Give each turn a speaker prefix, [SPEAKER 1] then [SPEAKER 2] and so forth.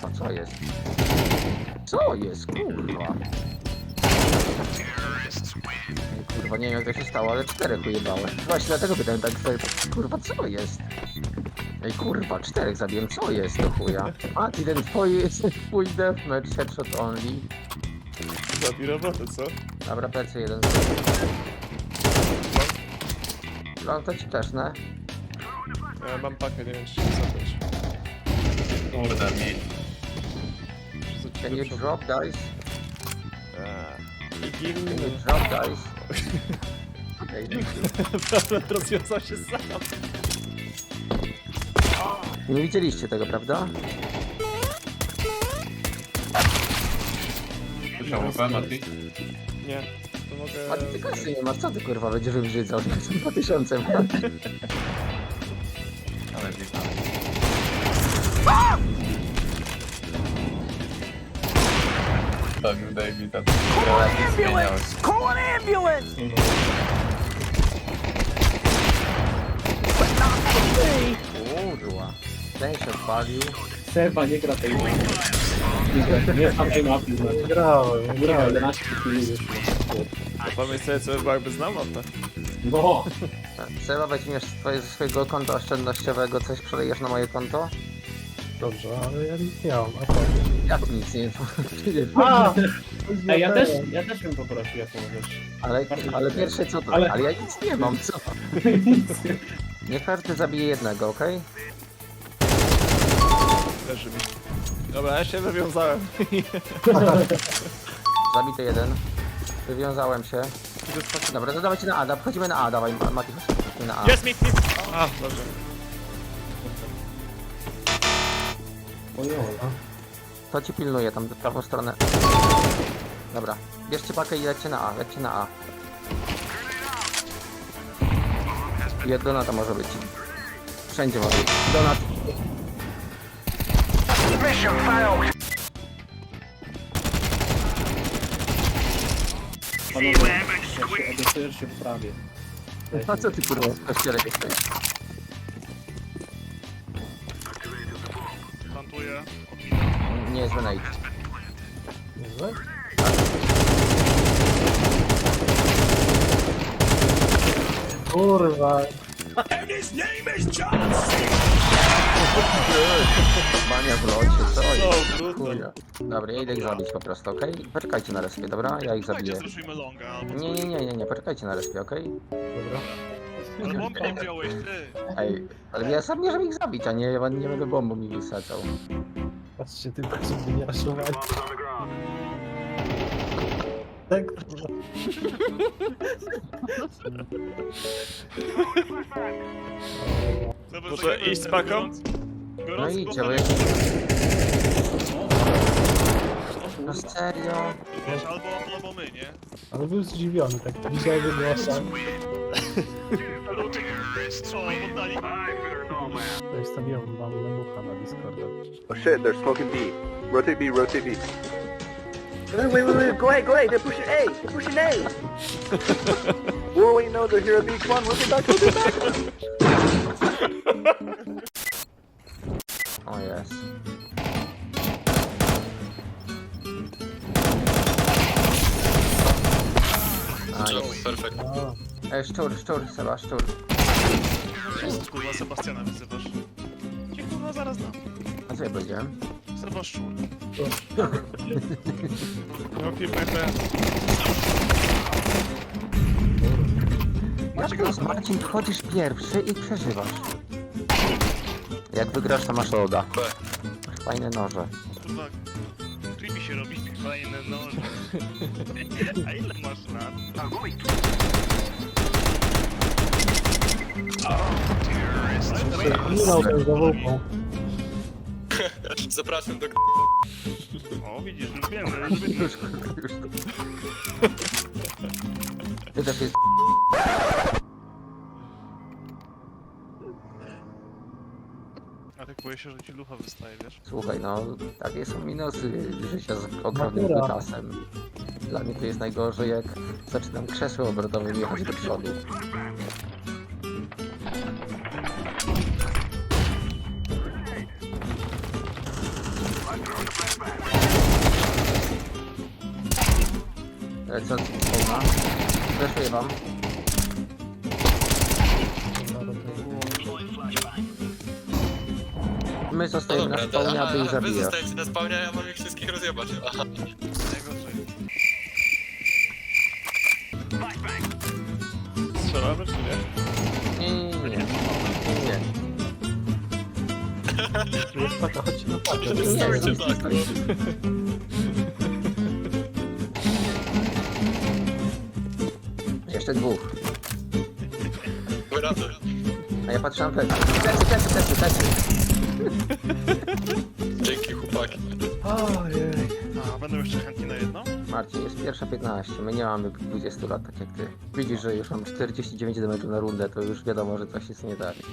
[SPEAKER 1] kurwa, co jest? Co jest, kurwa? Kurwa, nie wiem jak to się stało, ale 4 ujebałem. Właśnie dlatego pytałem tak sobie, kurwa, co jest? Ej, kurwa, 4 zabiłem, co jest do chuja? A, ty ten twój deathmatch, headshot only.
[SPEAKER 2] Zabij robotę, co?
[SPEAKER 1] Dobra, plecy jeden. No to ci też, ne?
[SPEAKER 2] Ja mam pakę, nie wiem czy się zabrać.
[SPEAKER 3] Kurde mi.
[SPEAKER 1] Can you drop dice?
[SPEAKER 2] Igin...
[SPEAKER 1] Can you drop dice? Okej,
[SPEAKER 2] Problem rozwiązał się sam.
[SPEAKER 1] nie widzieliście tego, prawda?
[SPEAKER 3] Słyszał UP, Mati?
[SPEAKER 2] Nie, to mogę...
[SPEAKER 1] A ty kasy nie masz, co ty kurwa będziesz wybrzydzał? 2000 ma.
[SPEAKER 3] Ale witam. Zabił Davida. Relacji zmieniałeś.
[SPEAKER 1] Kurwa. Ten się odpalił.
[SPEAKER 4] Seba nie gra tej mapy. Nie znam tej mapy, znaczy.
[SPEAKER 5] Grałem.
[SPEAKER 4] 11 chwili już.
[SPEAKER 2] Pomyśl sobie, co by było, jakby znał mapę.
[SPEAKER 4] No,
[SPEAKER 1] Seba, weźmiesz ze swojego konta oszczędnościowego, coś przelejesz na moje konto?
[SPEAKER 5] Dobrze, ale ja nic nie mam. A co?
[SPEAKER 1] Jak nic nie wiem.
[SPEAKER 5] A!
[SPEAKER 4] ej, ja też bym poprosił, jak możesz.
[SPEAKER 1] Ale pierwsze co to?
[SPEAKER 4] Ale-
[SPEAKER 1] Ale ja nic nie mam, co? Niech każdy zabije jednego, okej?
[SPEAKER 2] Leży mi. Dobra, ja się wywiązałem.
[SPEAKER 1] Zabity jeden. Wywiązałem się. Dobra, to dawajcie na A, wchodzimy na A, dawaj Mati, chodźmy na A.
[SPEAKER 2] Jest mi! A, dobrze.
[SPEAKER 1] To ci pilnuje tam w prawą stronę. Dobra, bierzcie pakę i lećcie na A, lećcie na A. I od Donata może być. Wszędzie może być. Donat.
[SPEAKER 4] Panowie, jak się edytujesz się w prawie.
[SPEAKER 1] A co ty kurwa w kościele jesteś?
[SPEAKER 6] Plantuję.
[SPEAKER 1] Nie, zły nade.
[SPEAKER 5] Niezłe? Kurwa.
[SPEAKER 1] Bania w locie, co jest?
[SPEAKER 2] O, brutal.
[SPEAKER 1] Chuja. Dobra, ja idę ich zabić po prostu, okej? Poczekajcie na respie, dobra? Ja ich
[SPEAKER 6] Dajcie,
[SPEAKER 1] zabiję.
[SPEAKER 6] zruszujmy longa albo
[SPEAKER 1] Nie, poczekajcie na respie, okej?
[SPEAKER 5] Dobra.
[SPEAKER 6] Ale bombę nie wziąłeś, ty.
[SPEAKER 1] Ej, ale ja sam nie żeby ich zabić, a nie będę bombą mi wysadzał.
[SPEAKER 5] Patrzcie, tylko żeby nie raszować. Tak, kurwa.
[SPEAKER 6] Dobra,
[SPEAKER 2] Muszę
[SPEAKER 6] zagrajmy
[SPEAKER 2] iść z paką?
[SPEAKER 1] No
[SPEAKER 6] Gorący
[SPEAKER 1] idźcie, bo
[SPEAKER 6] kochany,
[SPEAKER 1] No serio?
[SPEAKER 6] wiesz, albo my, nie?
[SPEAKER 5] Ale był zdziwiony, tak widziałem głosa.
[SPEAKER 6] Co, oddali?
[SPEAKER 5] To wstawiłem wam memucha na Discorda.
[SPEAKER 7] Oh shit, they're smoking B. Rotate B, rotate B. Wait, go ahead, they're pushing A, they're pushing A! Wait, no, they're here at B, come on, rotate back, rotate back!
[SPEAKER 1] O jest.
[SPEAKER 3] Perfekt.
[SPEAKER 1] Ej, szczur, Seba, szczur.
[SPEAKER 6] Kurwa, Sebastiana wyzywasz. Cię kurwa zaraz dam.
[SPEAKER 1] A co ja powiedziałem?
[SPEAKER 6] Seba szczur.
[SPEAKER 2] No, PP.
[SPEAKER 1] Marcin, wchodzisz pierwszy i przeżywasz. Jak wygrasz, to masz loda. Fajne noże.
[SPEAKER 6] Kurwa, creepy się robi, fajne noże. A ile masz lat?
[SPEAKER 5] Nie dał ten zawółką.
[SPEAKER 3] Zapraszam do
[SPEAKER 6] O, widzisz, już wiemy, już wiemy.
[SPEAKER 1] Ty też jest...
[SPEAKER 6] A tak boję się, że ci lucha wystaje, wiesz?
[SPEAKER 1] Słuchaj, no, takie są minusy życia z ogromnym wytasem. Dla mnie to jest najgorzej, jak zaczynam krzesłem obrotowym jechać do przodu. Lecąc spawna. Zeszuję wam. My
[SPEAKER 3] No
[SPEAKER 1] zostajemy na
[SPEAKER 3] dobra,
[SPEAKER 1] spawnie, aby ich
[SPEAKER 3] wy
[SPEAKER 1] zabijać.
[SPEAKER 3] zostajecie na spawnie, a ja mam ich wszystkich rozjebać. Aha.
[SPEAKER 2] Strzelamy czy nie?
[SPEAKER 1] Nie.
[SPEAKER 5] Tu jest taka, chodźcie na pakę.
[SPEAKER 1] Nie,
[SPEAKER 3] Stójcie
[SPEAKER 1] nie,
[SPEAKER 3] tak.
[SPEAKER 1] Jeszcze dwóch.
[SPEAKER 3] Wyradę.
[SPEAKER 1] A ja patrzę na plecy. Plecy.
[SPEAKER 3] Dzięki chłopaki.
[SPEAKER 6] A, będą jeszcze chętni na jedno?
[SPEAKER 1] Marcin, jest pierwsza 15. My nie mamy 20 lat, tak jak ty. Widzisz, że już mam 49 damage'u na rundę, to już wiadomo, że coś jest nie tak.